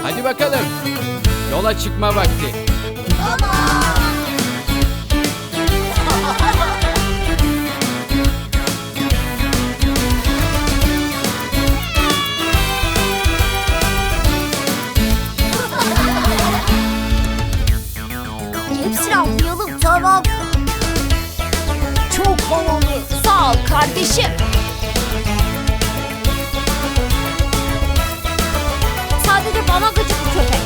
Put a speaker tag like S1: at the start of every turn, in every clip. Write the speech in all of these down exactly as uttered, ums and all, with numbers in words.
S1: Hadi bakalım. Yola çıkma vakti.
S2: Hepsini atlayalım, tamam.
S3: Çok havalı.
S2: Sağ ol kardeşim. Sadece bana gıcık bu köpek.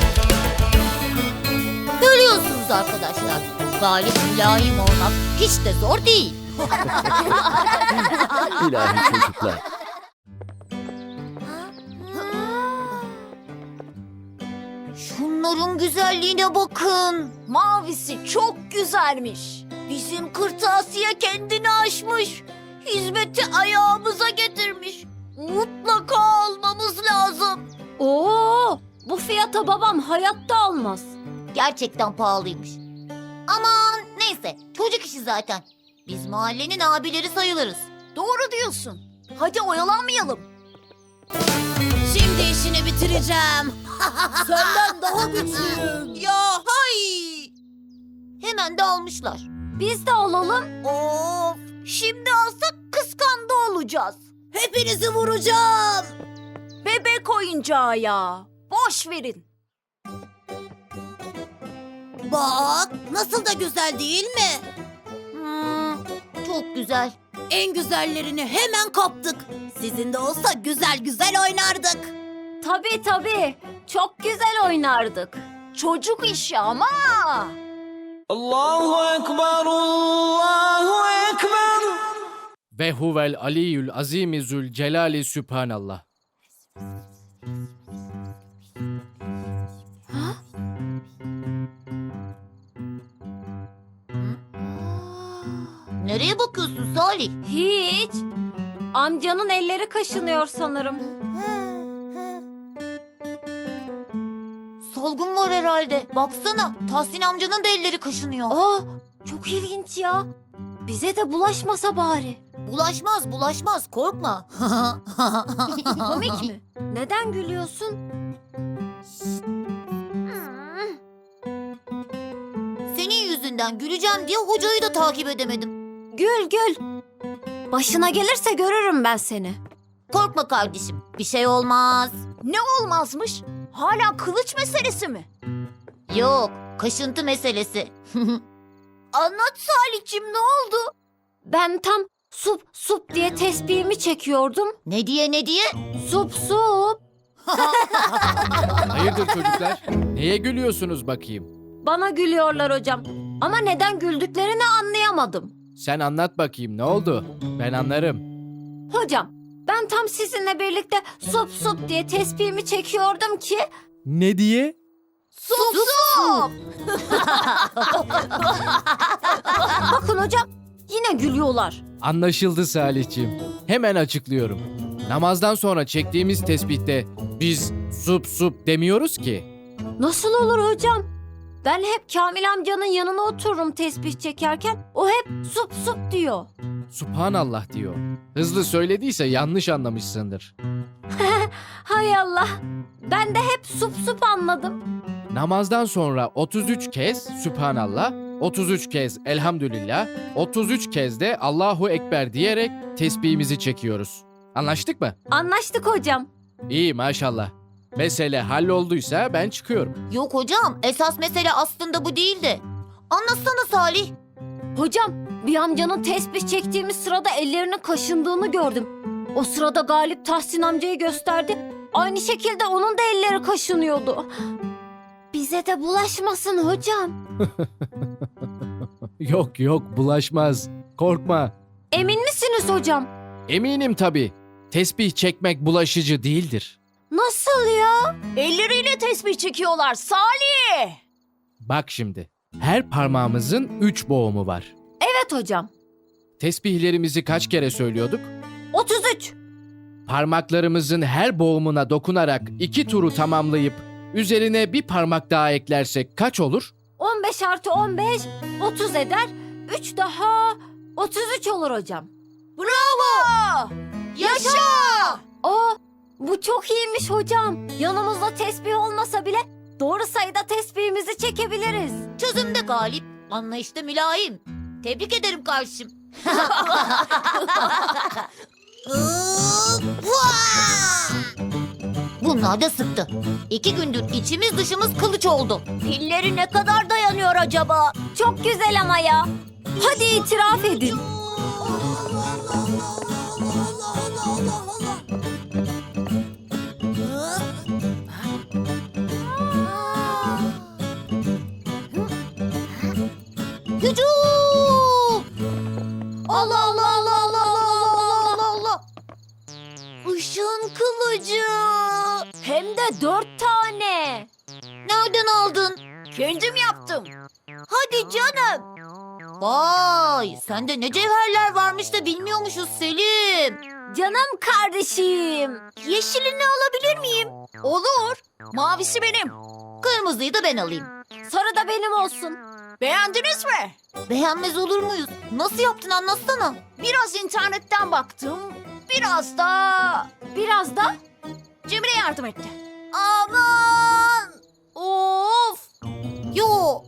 S2: Görüyorsunuz arkadaşlar. Galip mülayim olmak hiç de zor değil.
S4: İlahi çocuklar.
S2: Şunların güzelliğine bakın. Mavisi çok güzelmiş. Bizim kırtasiye kendini aşmış. Hizmeti ayağımıza getirmiş. Mutlaka almamız lazım.
S5: Oo, bu fiyata babam hayatta almaz.
S2: Gerçekten pahalıymış. Aman neyse, çocuk işi zaten. Biz mahallenin abileri sayılırız. Doğru diyorsun. Hadi oyalanmayalım. Şimdi işini bitireceğim.
S3: Senden daha güçlüyüm.
S2: Ya hay! Hemen de almışlar.
S5: Biz de alalım.
S2: Of! Şimdi alsak kıskandı olacağız. Hepinizi vuracağım.
S5: Bebek oyuncağı ya. Boş verin.
S2: Bak, nasıl da güzel değil mi? Hmm, çok güzel. En güzellerini hemen kaptık. Sizin de olsa güzel güzel oynardık.
S5: Tabii tabii. Çok güzel oynardık.
S2: Çocuk işi ama.
S3: Allahu Ekber, Allahu Ekber.
S1: Ve huvel aliyyül azimi zül celali sübhanallah.
S2: Nereye bakıyorsun Salih?
S5: Hiç. Amcanın elleri kaşınıyor sanırım.
S2: Salgın var herhalde. Baksana, Tahsin amcanın da elleri kaşınıyor.
S5: Aa, çok ilginç ya. Bize de bulaşmasa bari.
S2: Bulaşmaz, bulaşmaz. Korkma.
S5: Komik mi? Neden gülüyorsun?
S2: Senin yüzünden güleceğim diye hocayı da takip edemedim.
S5: Gül gül. Başına gelirse görürüm ben seni.
S2: Korkma kardeşim. Bir şey olmaz. Ne olmazmış? Hala kılıç meselesi mi? Yok, kaşıntı meselesi. Anlat Salih'cim, ne oldu?
S5: Ben tam sup sup diye tesbihimi çekiyordum.
S2: Ne diye ne diye?
S5: Sup sup.
S1: Hayırdır çocuklar? Neye gülüyorsunuz bakayım?
S5: Bana gülüyorlar hocam. Ama neden güldüklerini anlayamadım.
S1: Sen anlat bakayım ne oldu? Ben anlarım.
S5: Hocam, ben tam sizinle birlikte sup sup diye tesbihimi çekiyordum ki...
S1: Ne diye?
S2: Sup sup.
S5: Bakın hocam, yine gülüyorlar.
S1: Anlaşıldı Salihciğim. Hemen açıklıyorum. Namazdan sonra çektiğimiz tesbihte biz sup sup demiyoruz ki.
S5: Nasıl olur hocam? Ben hep Kamil amcanın yanına otururum tesbih çekerken. O hep sup sup diyor.
S1: Subhanallah diyor. Hızlı söylediyse yanlış anlamışsındır.
S5: Hay Allah. Ben de hep sup sup anladım.
S1: Namazdan sonra otuz üç kez Sübhanallah, otuz üç kez Elhamdülillah, otuz üç kez de Allahu Ekber diyerek tesbihimizi çekiyoruz. Anlaştık mı?
S5: Anlaştık hocam.
S1: İyi maşallah. Mesele hallolduysa ben çıkıyorum.
S2: Yok hocam, esas mesele aslında bu değildi. Anlatsana Salih.
S5: Hocam, bir amcanın tesbih çektiğimiz sırada ellerinin kaşındığını gördüm. O sırada Galip Tahsin amcayı gösterdi. Aynı şekilde onun da elleri kaşınıyordu. Bize de bulaşmasın hocam.
S1: Yok yok bulaşmaz. Korkma.
S5: Emin misiniz hocam?
S1: Eminim tabii. Tesbih çekmek bulaşıcı değildir.
S5: Nasıl ya?
S2: Elleriyle tesbih çekiyorlar Salih.
S1: Bak şimdi. Her parmağımızın üç boğumu var.
S5: Evet hocam.
S1: Tesbihlerimizi kaç kere söylüyorduk?
S5: otuz üç.
S1: Parmaklarımızın her boğumuna dokunarak iki turu tamamlayıp üzerine bir parmak daha eklersek kaç olur?
S5: on beş artı on beş otuz eder. üç daha otuz üç olur hocam.
S2: Bravo. Yaşa.
S5: Aa, Bu çok iyiymiş hocam. Yanımızda tesbih olmasa bile doğru sayıda tesbihimizi çekebiliriz.
S2: Çözümde galip, anlayışta mülayim. Tebrik ederim kardeşim. Bunlar da sıktı. İki gündür içimiz dışımız kılıç oldu.
S5: Pilleri ne kadar dayanıyor acaba? Çok güzel ama ya. Hadi itiraf edin.
S2: Hücum! Allah Allah Allah Allah Allah Allah Allah! Işın kılıcı!
S5: Hem de dört tane.
S2: Nereden aldın?
S5: Kendim yaptım.
S2: Hadi canım. Vay, sende ne cevherler varmış da bilmiyormuşuz Selim.
S5: Canım kardeşim.
S2: Yeşilini alabilir miyim?
S5: Olur. Mavisi benim.
S2: Kırmızıyı da ben alayım.
S5: Sarı da benim olsun. Beğendiniz mi?
S2: Beğenmez olur muyuz? Nasıl yaptın anlatsana.
S5: Biraz internetten baktım. Biraz da... Biraz da Cemre yardım etti.
S2: Aman!
S5: Of!
S2: Yo,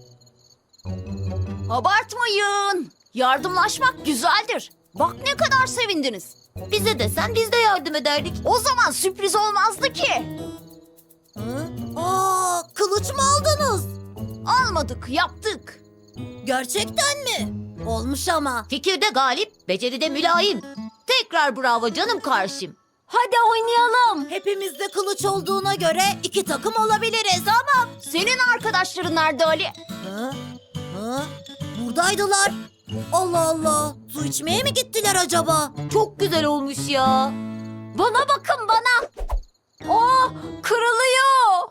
S5: Abartmayın. Yardımlaşmak güzeldir. Bak ne kadar sevindiniz.
S2: bize desen biz de yardım ederdik.
S5: O zaman sürpriz olmazdı ki.
S2: Aa, kılıç mı aldınız?
S5: Almadık, yaptık.
S2: Gerçekten mi? Olmuş ama. Fikirde galip, beceride mülayim. Tekrar bravo canım karşım.
S5: Hadi oynayalım.
S2: Hepimizde kılıç olduğuna göre iki takım olabiliriz ama...
S5: Senin arkadaşların nerede Ali?
S2: Hı? Hı? Buradaydılar. Allah Allah. Su içmeye mi gittiler acaba? Çok güzel olmuş ya.
S5: Bana bakın bana. Oh, kırılıyor.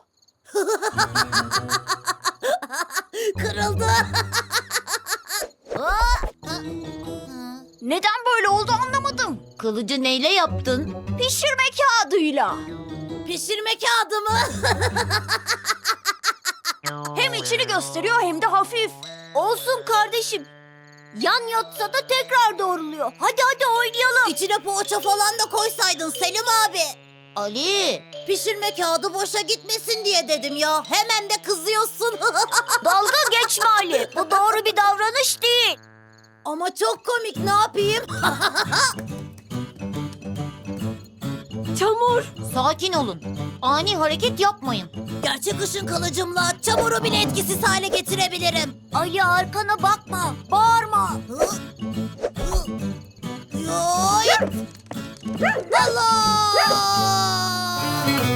S2: Kırıldı.
S5: Neden böyle oldu anlamadım.
S2: Kılıcı neyle yaptın?
S5: Pişirme kağıdıyla.
S2: Pişirme kağıdı mı?
S5: Hem içini gösteriyor hem de hafif.
S2: Olsun kardeşim. Yan yatsa da tekrar doğruluyor. Hadi hadi oynayalım. İçine poğaça falan da koysaydın Selim abi. Ali. Pişirme kağıdı boşa gitmesin diye dedim ya. Hemen de kızıyorsun.
S5: Dalga geçme Ali. Bu doğru bir davranış değil.
S2: Ama çok komik, ne yapayım?
S5: Çamur.
S2: Sakin olun. Ani hareket yapmayın. Gerçek ışın kılıcımla çamuru bile etkisiz hale getirebilirim. Ali arkana bakma. Bağırma. Yoy! Allah!